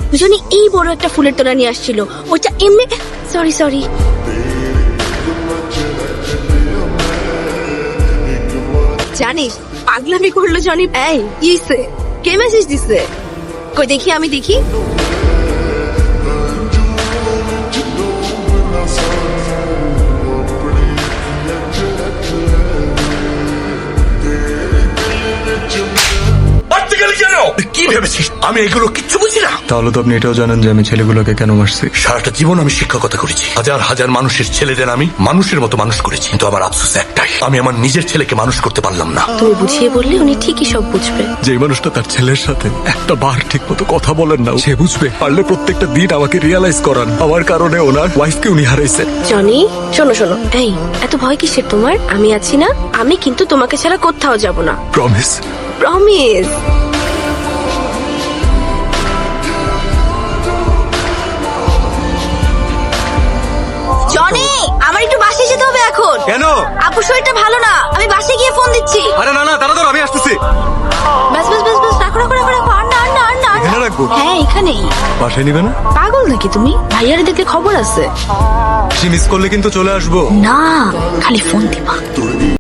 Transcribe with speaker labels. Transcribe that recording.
Speaker 1: Johnny এই বড় একটা ফুলের তোড়া নিয়ে আসছিল, ওটা এমনি সরি জানিস পাগলামি করলো জনি। এই কিসে কে মেসেজ দিছে? কই দেখি, আমি দেখি।
Speaker 2: কি ভেবেছিস আমি এগুলো কিচ্ছু বুঝি না?
Speaker 3: তাহলে তো আপনি এটাও জানেন যে আমি ছেলেগুলোকে কেন মারছি।
Speaker 2: সারাটা জীবন আমি শিক্ষকতা করেছি, হাজার হাজার মানুষের ছেলেদের আমি মানুষের মতো মানুষ করেছি, কিন্তু আমার আফসোস একটাই, আমি আমার নিজের ছেলেকে মানুষ করতে পারলাম না।
Speaker 1: তুমি বুঝিয়ে বললে উনি ঠিকই সব বুঝবে।
Speaker 3: যে মানুষটা তার ছেলের সাথে একটা বার ঠিক মতো কথা বলেন না, সে বুঝবে। পারলে প্রত্যেকটা দিন আমাকে রিয়ালাইজ করান আমার কারণে ওনার ওয়াইফকে উনি হারাইছে।
Speaker 1: জনি শোনো, এই এত ভয় কিসের তোমার? আমি আছি না, আমি কিন্তু তোমাকে ছাড়া কোথাও যাব না।
Speaker 3: প্রমিস?
Speaker 1: প্রমিস। জনি আমার একটু বাসায় যেতে হবে এখন।
Speaker 3: কেন?
Speaker 1: আপুর শরীরটা ভালো না, আমি বাসায় গিয়ে ফোন দিচ্ছি।
Speaker 3: আরে না তাড়াতাড়ি, আমি আসতেছি।
Speaker 1: বাস রাখো আর না।
Speaker 3: এখানে রাখবো?
Speaker 1: হ্যাঁ এখানেই।
Speaker 3: বাসায় নিবে না?
Speaker 1: পাগল নাকি তুমি? ভাইয়ারে দেখলে খবর আছে।
Speaker 3: সে মিস করলে কিন্তু চলে আসবো।
Speaker 1: না খালি ফোন দিবা।